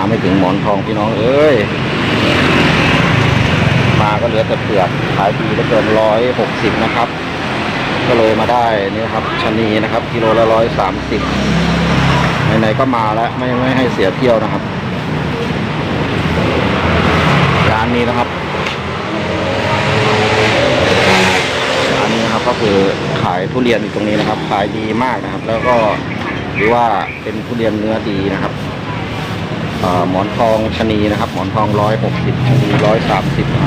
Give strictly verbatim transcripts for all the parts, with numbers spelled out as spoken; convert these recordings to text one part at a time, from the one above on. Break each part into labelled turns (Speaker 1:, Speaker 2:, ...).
Speaker 1: ไม่ถึงหมอนทองพี่น้องเอ้ยมาก็เหลือแต่เปลือกขายดีเหลือเกินร้อยหกสิบนะครับก็เลยมาได้นี่ครับชะนีนะครับกิโลละร้อยสามสิบไหนๆก็มาแล้วไม่ไม่ให้เสียเที่ยวนะครับร้านนี้นะครับร้านนี้นะครับก็คือขายทุเรียนอยู่ตรงนี้นะครับขายดีมากนะครับแล้วก็หรือว่าเป็นทุเรียนเนื้อดีนะครับหมอนทองชะนีนะครับหมอนทองร้อยหกสิบชะนีร้อยสามสิบนะครับ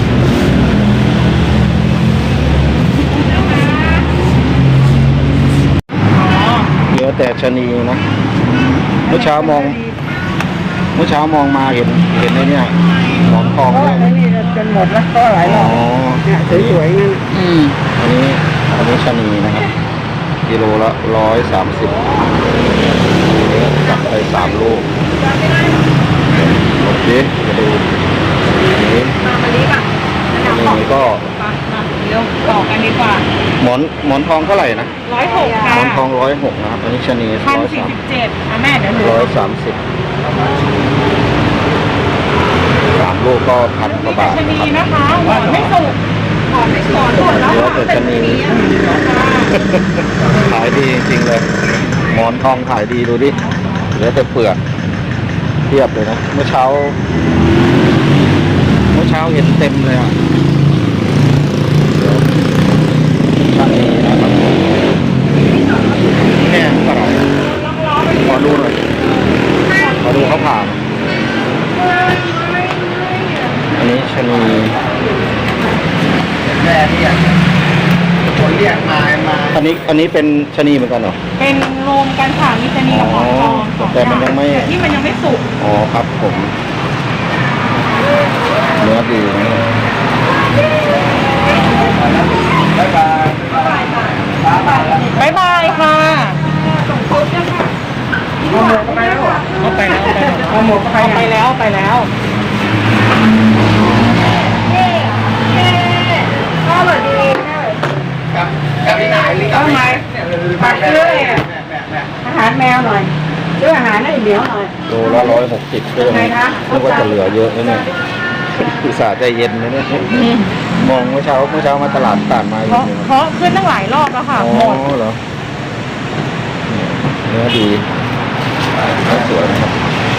Speaker 1: เหลือแต่ชะนีนะเมื่อเช้ามองเมื่อเช้ามองมาเห็นเห็นไอ้เนี่ยหมอนทองเนี่ย
Speaker 2: นี่จนหมดแล้วก็หลายรอบเนี่ยสวยๆงั้น
Speaker 1: อืมอันนี้อันนี้ชะนีนะครับกิโลละร้อยสามสิบจับไปสามลูกโอเคจะดูอันนี้อันนี้ก็
Speaker 2: เร็วต่อกันดีกว่า
Speaker 1: หมอนหมอนทองเท่าไหร่นะ
Speaker 2: ร้อยหกค่ะ
Speaker 1: หมอนทองร้อยหกนะครับอันนี้ชะนี
Speaker 2: พันสี่สิบเจ็ดอ่ะแม่เดี๋ยว
Speaker 1: ร้อยสามสิบสามลูกก็พันกว่าบาท
Speaker 2: ชะนีนะคะหมอนไม่สุกหมอนไม่สอนหมดแล้ว
Speaker 1: เหลือแต่ชะนีขายดีจริงๆเลยหมอนทองขายดีดูดิเหลือแต่เปลือกเทียบเลยนะเมื่อเช้าเมื่อเช้าเห็นเต็มเลยอ่ะชะนีนะครับแห้งเท่าไหร่ขอดูหน่อยขอดูเขาผ่านอันนี้ชะนี
Speaker 2: แม่เรียกคนเรียกมามา
Speaker 1: อันนี้อันนี้เป็นชะนีเหมือนกันเหรอ
Speaker 2: เป็นรวมกันค่ะมีชะนีกับหมอนทอง
Speaker 1: แต่มันยังไม่
Speaker 2: ที่มันยังไม่สุก
Speaker 1: อ๋อครับผมเนื้อดีนะบ๊ายบาย
Speaker 2: บ๊ายบายค่ะเอาหมดไปแล้วเอาไปแล้วเอาหมดไปไปแล้วไปแล้วพ่อสวัสดีกับกับที่ไหนหรือกับที่ไหนปักเลยอาหารแมวหน่อยซื้ออาหารให้เหนียวหน่อย
Speaker 1: โลละร้อยหกสิบก็ยังนึกว่าจะเหลือเยอะนะเนี่ยอุตส่าห์ใจเย็นนะเนี่ยมองเมื่อเช้าเมื่อเช้ามาตลาดต่านมาอยู่
Speaker 2: เนี่ยเพราะขึ้นตั้งหลายรอบแล้วค่ะหมด
Speaker 1: เหรอเนื้อดีสวยนะครับ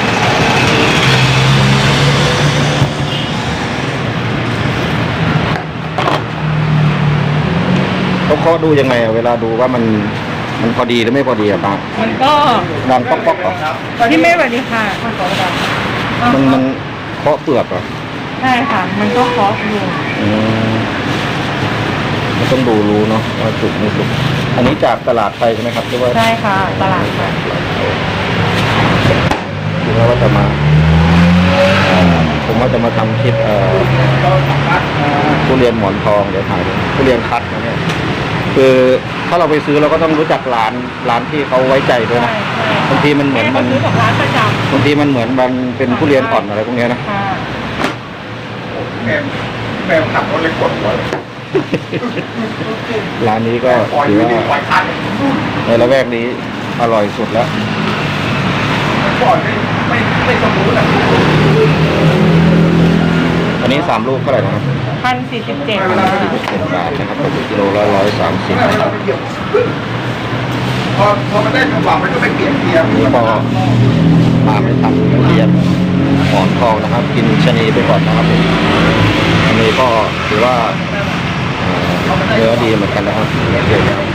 Speaker 1: เขาเคาะดูยังไงเวลาดูว่ามันมันพอดีหรือไม่พอดีอะป้า
Speaker 2: มันก็
Speaker 1: ดังป๊อกป๊อกเหรอ
Speaker 2: ที่ไม่พอดีค่ะ
Speaker 1: มันมันเคาะเปลือกเหรอ
Speaker 2: ใช่ค่ะมันก็เคาะอยู่
Speaker 1: อืมมันต้องดูรู้เนาะว่าสุกไม่สุกอันนี้จากตลาดไทยใช่ไหมครับที่ว่า
Speaker 2: ใช่ค่ะตลาดไทย
Speaker 1: คิดว่าจะมาผมว่าจะมาทำคลิปเอ่อทุเรียนหมอนทองเดี๋ยวถ่ายทุเรียนคัดนะเนี่ยคือถ้าเราไปซื้อเราก็ต้องรู้จักร้านร้านที่เขาไว้ใจด้วยนะบางทีมันเหมือนมันบางทีมันเหมือนมันเป็นทุเรียนอ่อนอะไรพวกนี้นะ
Speaker 2: แม่แม่ขับรถเลยกดหัว
Speaker 1: ร้านนี้ก็ถือว่าในละแวกนี้อร่อยสุดแล้ว
Speaker 2: ก่อนไม่ไม่สมบูรณ์อ่ะ
Speaker 1: อันนี้สามลูกเท่าไหร่นะครับ
Speaker 2: พันสี่สิบเจ็ด
Speaker 1: พันสี่สิบเจ็ดบาทนะครับตกกิโลละร้อยสามสิบ
Speaker 2: พอพอมันได้จังหวะมันก็ไปเปลี่ยนเกียร์
Speaker 1: นี่ก็มาไม่ทันทุเรียนหมอนทองนะครับกินชะนีไปก่อนนะครับอันนี้ก็ถือว่าเนื้อดีเหมือนกันนะครับโอเคครับ